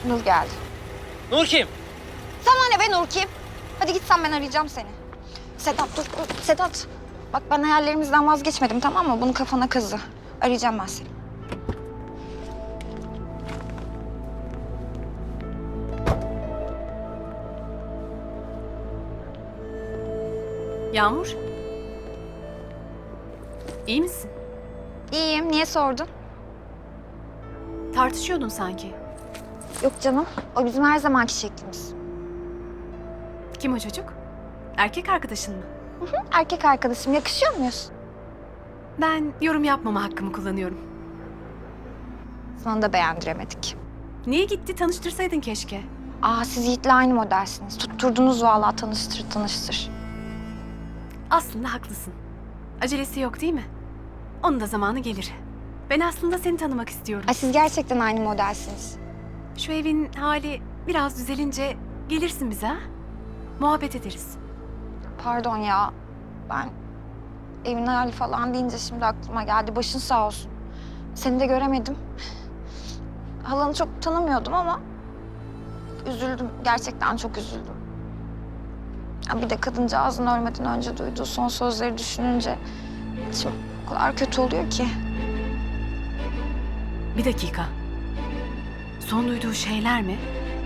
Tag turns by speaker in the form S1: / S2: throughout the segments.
S1: Nur geldi.
S2: Nur kim?
S1: Sana ne be Nur kim? Hadi git sen, ben arayacağım seni. Sedat dur. Sedat. Bak ben hayallerimizden vazgeçmedim, tamam mı? Bunu kafana kazı. Arayacağım ben seni.
S3: Yağmur. İyi misin?
S1: İyiyim. Niye sordun?
S3: Tartışıyordun sanki.
S1: Yok canım. O bizim her zamanki şeklimiz.
S3: Kim o çocuk? Erkek arkadaşın mı?
S1: Erkek arkadaşım. Yakışıyor muyuz?
S3: Ben yorum yapmama hakkımı kullanıyorum.
S1: Sana da beğendiremedik.
S3: Niye gitti? Tanıştırsaydın keşke.
S1: Aa, siz Yiğit'le aynı modelsiniz. Tutturdunuz vallahi, tanıştır tanıştır.
S3: Aslında haklısın. Acelesi yok değil mi? Onun da zamanı gelir. Ben aslında seni tanımak istiyorum.
S1: Ay, siz gerçekten aynı modelsiniz.
S3: Şu evin hali biraz düzelince gelirsin bize ha? Muhabbet ederiz.
S1: Pardon ya. Ben evin hali falan deyince şimdi aklıma geldi. Başın sağ olsun. Seni de göremedim. Halanı çok tanımıyordum ama üzüldüm. Gerçekten çok üzüldüm. Ya bir de kadıncağızın ölmeden önce duyduğu son sözleri düşününce içim o kadar kötü oluyor ki.
S3: Bir dakika. Son duyduğu şeyler mi?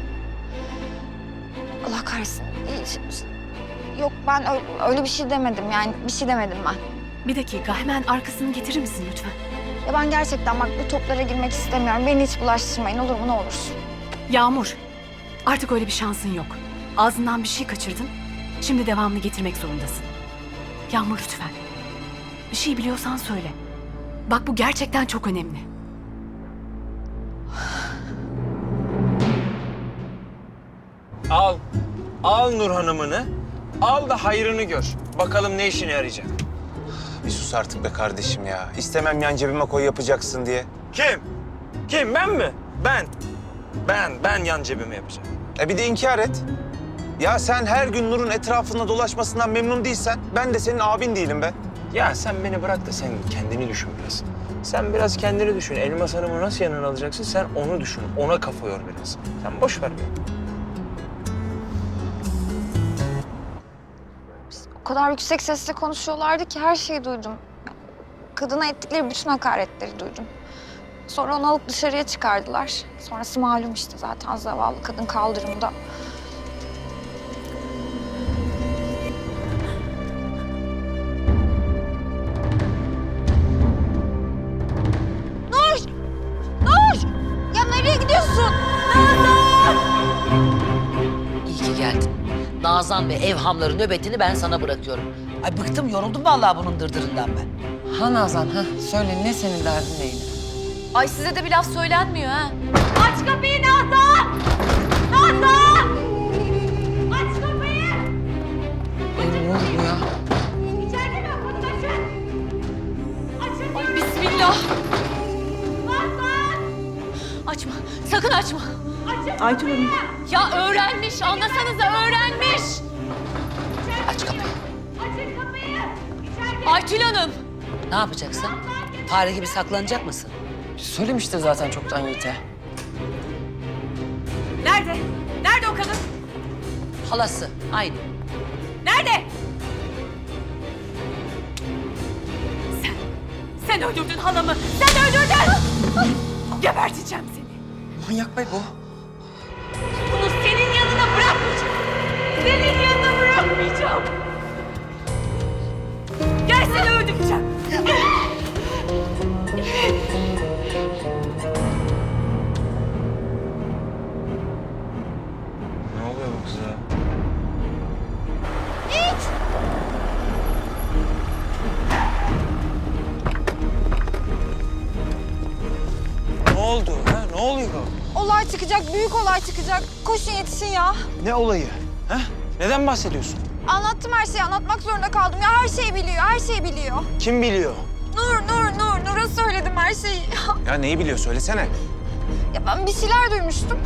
S1: Allah kahretsin. Yok, ben öyle bir şey demedim. Yani bir şey demedim ben.
S3: Bir dakika, hemen arkasını getirir misin lütfen?
S1: Ya ben gerçekten bak bu toplara girmek istemiyorum. Beni hiç bulaştırmayın, olur mu, ne olursun.
S3: Yağmur, artık öyle bir şansın yok. Ağzından bir şey kaçırdın, şimdi devamını getirmek zorundasın. Yağmur lütfen. Bir şey biliyorsan söyle. Bak bu gerçekten çok önemli.
S2: Al. Al Nur Hanım'ını. Al da hayrını gör. Bakalım ne işine yarayacak.
S4: Bir sus artık be kardeşim ya. İstemem yan cebime koy yapacaksın diye.
S2: Kim? Kim? Ben mi? Ben yan cebime yapacağım.
S4: Bir de inkar et. Ya sen her gün Nur'un etrafında dolaşmasından memnun değilsen ben de senin abin değilim be.
S2: Ya sen beni bırak da sen kendini düşün biraz. Sen biraz kendini düşün. Elmas Hanım'ı nasıl yanına alacaksın? Sen onu düşün. Ona kafa yor biraz. Sen boş ver beni.
S1: O kadar yüksek sesle konuşuyorlardı ki her şeyi duydum. Kadına ettikleri bütün hakaretleri duydum. Sonra onu alıp dışarıya çıkardılar. Sonrası malum işte, zaten zavallı kadın kaldırımda. Nur! Nur! Ya nereye gidiyorsun?
S5: İyi ki geldin. Nazan ve evhamları nöbetini ben sana bırakıyorum. Ay bıktım, yoruldum vallahi bunun dırdırından ben.
S6: Ha Nazan, ha. Söyle, ne senin derdin neydi?
S3: Ay size de bir laf söylenmiyor ha.
S7: Aç kapıyı Nazan! Nazan! Aç kapıyı!
S6: Ne oldu bu ya?
S7: İçeride mi? Kapıyı açın! Açın diyorum!
S3: Bismillah.
S7: Nazan!
S3: Açma, sakın açma.
S7: Açın
S6: Aytül
S7: kapıyı!
S3: Ya öğrenmiş, anlasanıza öğrenmiş.
S5: Aç kapıyı.
S7: Açın kapıyı! İçeride!
S3: Aytül Hanım.
S5: Ne yapacaksın? Fare gibi saklanacak mısın?
S6: Söylemiştir zaten çoktan Yiğit'e.
S3: Nerede? Nerede o kadın?
S5: Halası, aynı.
S3: Nerede? Sen öldürdün halamı. Sen öldürdün. Geberteceğim seni.
S6: Manyak be bu.
S7: Bunu senin yanına bırakmayacağım! Senin yanına bırakmayacağım!
S3: Gel seni öldüreceğim.
S2: Ne oluyor bu kıza? Ne oldu? Ha? Ne oluyor?
S1: Olay çıkacak, büyük olay çıkacak. Koşun, yetişin ya.
S2: Ne olayı? Ha? Neden bahsediyorsun?
S1: Anlattım her şeyi, anlatmak zorunda kaldım. Ya her şeyi biliyor, her şeyi biliyor.
S2: Kim biliyor?
S1: Nur'a söyledim her şeyi.
S4: Ya neyi biliyor söylesene.
S1: Ya ben bir şeyler duymuştum.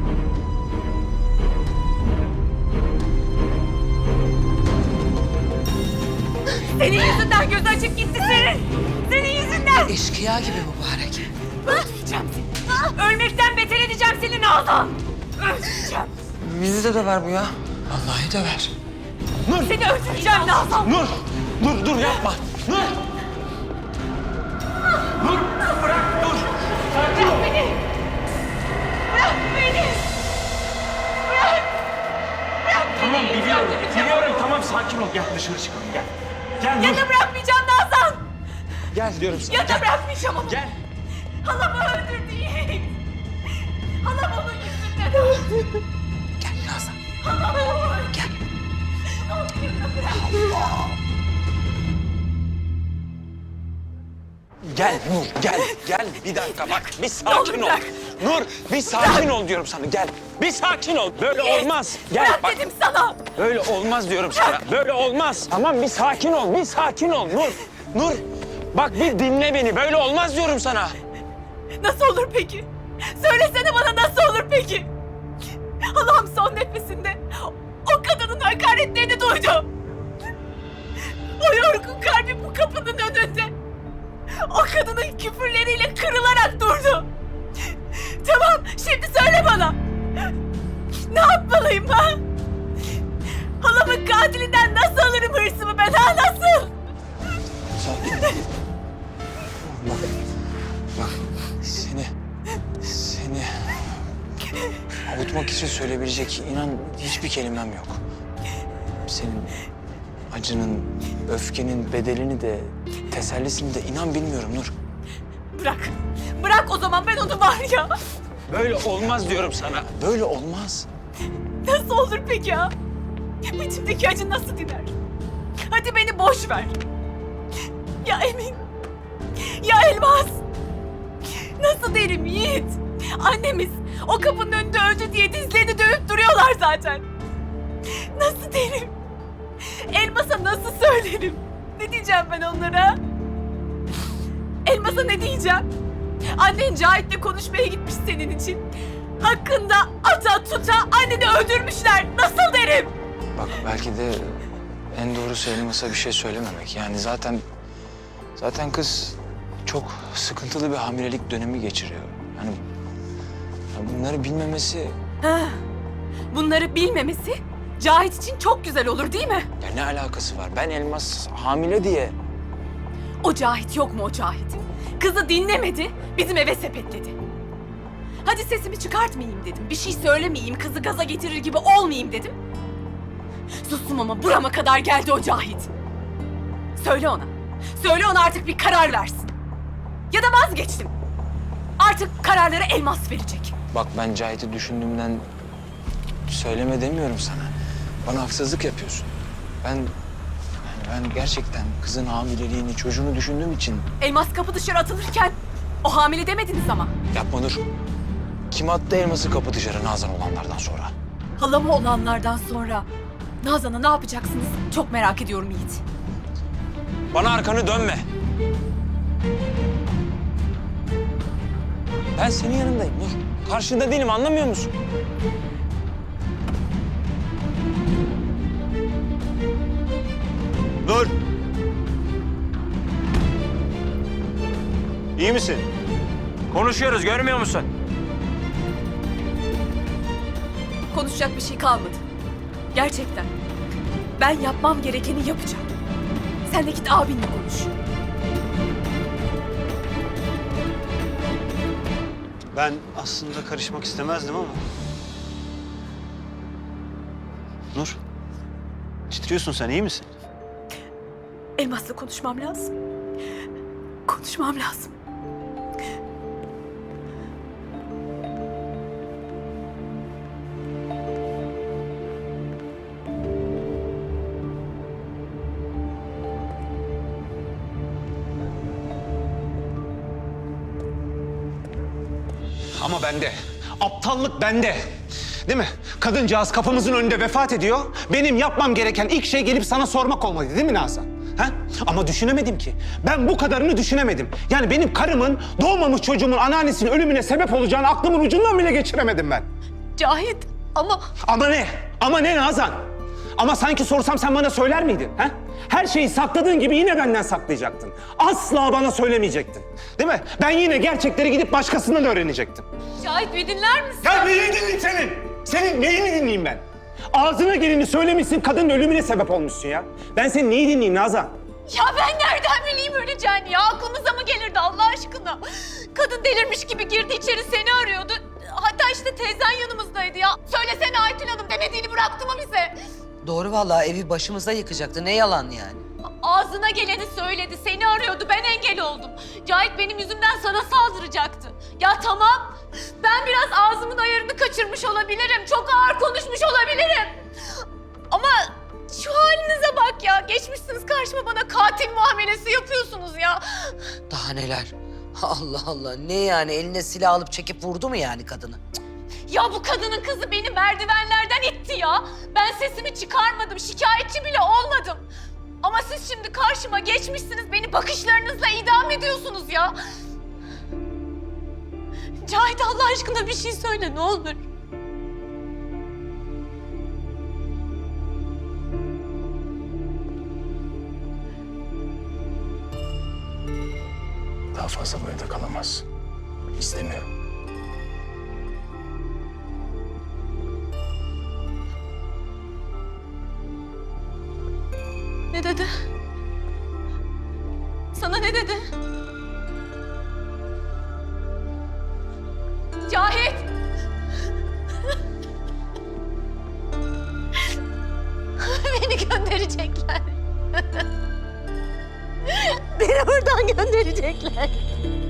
S3: Senin yüzünden gözü açık gitti senin. Senin yüzünden.
S5: Eşkıya gibi mübarek.
S3: Öldüreceğim seni. Ölmekten beter edeceğim seni Nazan. Öldüreceğim.
S6: Bizi de döver bu ya.
S2: Vallahi döver.
S3: Seni öldüreceğim Nazan.
S4: Nur! Dur yapma! Nur! Nur! Bırak dur! Sakin ol!
S3: Bırak beni.
S4: Tamam biliyorum tamam sakin ol. Gel dışarı çıkalım gel. Gel Nur.
S3: Ya da bırakmayacağım Nazan.
S4: Gel diyorum sana.
S3: Ya da bırakmayacağım onu.
S4: Gel.
S3: Halamı öldürdü Yiğit. Halam onun yüzünden öldü.
S5: Gel Nazan.
S3: Halamı öldürdü. Gel.
S4: Gel Nur gel. Bir dakika bak bir sakin ol.
S3: bırak.
S4: Nur bir sakin ol diyorum sana gel. Bir sakin ol. Böyle olmaz. Gel
S3: Bırak
S4: bak.
S3: dedim sana.
S4: Böyle olmaz diyorum sana. Böyle olmaz. Tamam bir sakin ol. Nur. Nur. Bak bir dinle beni. Böyle olmaz diyorum sana.
S3: Nasıl olur peki? Söylesene bana nasıl olur peki? Allah'ım son nefesinde o kadının hakaretlerini duydu. O yorgun kalbi bu kapının önünde. O kadının küfürleriyle kırılarak durdu. Tamam, şimdi söyle bana. Ne yapmalıyım ha? Halamın katilinden nasıl alırım hırsımı ben ha? Nasıl?
S2: Sakin ol. Bak seni avutmak için söyleyebilecek inan hiçbir kelimem yok. Senin acının, öfkenin bedelini de, tesellisini de inan bilmiyorum Nur.
S3: Bırak. Bırak o zaman ben onu var ya.
S4: Böyle olmaz diyorum sana.
S2: Böyle olmaz.
S3: Nasıl olur peki ya? İçimdeki acı nasıl diner? Hadi beni boş ver. Ya Emin? Ya Elmas? Nasıl derim Yiğit? Annemiz o kapının önünde öldü diye dizlerini dövüp duruyorlar zaten. Nasıl derim? Elmas'a nasıl söylerim? Ne diyeceğim ben onlara? Elmas'a ne diyeceğim? Annen Cahit'le konuşmaya gitmiş senin için. Hakkında ata tuta anneni öldürmüşler. Nasıl derim?
S2: Bak belki de en doğrusu Elmas'a bir şey söylememek. Yani zaten kız çok sıkıntılı bir hamilelik dönemi geçiriyor. Hani ya bunları bilmemesi
S3: Bunları bilmemesi Cahit için çok güzel olur değil mi?
S2: ya ne alakası var? Ben Elmas hamile diye
S3: O Cahit yok mu o Cahit? Kızı dinlemedi, bizim eve sepetledi. Hadi sesimi çıkartmayayım dedim, bir şey söylemeyeyim, kızı gaza getirir gibi olmayayım dedim. Sustum ama burama kadar geldi o Cahit. Söyle ona artık bir karar versin. Ya da vazgeçtim. Artık kararları Elmas verecek.
S2: bak ben Cahit'i düşündüğümden söyleme demiyorum sana. Bana haksızlık yapıyorsun. Ben gerçekten kızın hamileliğini, çocuğunu düşündüğüm için
S3: Elmas kapı dışarı atılırken o hamile demediniz ama.
S2: yapma Nur. Kim attı Elmas'ı kapı dışarı Nazan olanlardan sonra?
S3: Halamı olanlardan sonra Nazan'a ne yapacaksınız? Çok merak ediyorum Yiğit.
S2: Bana arkanı dönme. Ben senin yanındayım Nur. Karşında değilim, anlamıyor musun?
S4: Nur! İyi misin?
S2: Konuşuyoruz, görmüyor musun?
S3: Konuşacak bir şey kalmadı. Gerçekten. Ben yapmam gerekeni yapacağım. Sen de git abinle konuş.
S8: Ben aslında karışmak istemezdim ama... Nur, titriyorsun sen, iyi misin?
S3: Elmas'la konuşmam lazım. Konuşmam lazım.
S4: Ama bende. Aptallık bende. Değil mi? Kadıncağız kapımızın önünde vefat ediyor. Benim yapmam gereken ilk şey gelip sana sormak olmalıydı değil mi Nazan? Ha? Ama düşünemedim ki. Ben bu kadarını düşünemedim. Yani benim karımın doğmamış çocuğumun anneannesinin ölümüne sebep olacağını aklımın ucundan bile geçiremedim ben.
S3: Cahit ama...
S4: Ama ne? Ama ne Nazan? Ama sanki sorsam sen bana söyler miydin? He? Her şeyi sakladığın gibi yine benden saklayacaktın. Asla bana söylemeyecektin. Değil mi? Ben yine gerçekleri gidip başkasından öğrenecektim.
S7: Cahit bir dinler misin?
S4: Ya neyini dinleyeyim senin? Senin neyini dinleyeyim ben? Ağzına geleni söylemişsin, kadının ölümüne sebep olmuşsun ya. Ben senin neyi dinleyeyim Nazan?
S7: Ya ben nereden bileyim öleceğini ya? Aklımıza mı gelirdi Allah aşkına? Kadın delirmiş gibi girdi içeri seni arıyordu. Hatta işte teyzen yanımızdaydı ya. Söylesene Aytül Hanım demediğini bıraktı mı bize?
S5: Doğru vallahi, evi başımıza yıkacaktı. Ne yalan yani.
S7: Ağzına geleni söyledi. Seni arıyordu. Ben engel oldum. Cahit benim yüzümden sana saldıracaktı. Ya tamam. Ben biraz ağzımın ayarını kaçırmış olabilirim. Çok ağır konuşmuş olabilirim. Ama şu halinize bak ya. Geçmişsiniz karşıma bana katil muamelesi yapıyorsunuz ya.
S5: Daha neler? Allah Allah, ne yani, eline silah alıp çekip vurdu mu yani kadını?
S7: Ya bu kadının kızı beni merdivenlerden itti ya. Ben sesimi çıkarmadım. Şikayetçi bile olmadım. Ama siz şimdi karşıma geçmişsiniz. Beni bakışlarınızla idam ediyorsunuz ya. Cahit Allah aşkına bir şey söyle ne olur.
S2: Daha fazla bu evde kalamaz. İstemiyorum.
S7: Ne dedi? Sana ne dedi? Cahit! Beni gönderecekler. Beni buradan gönderecekler.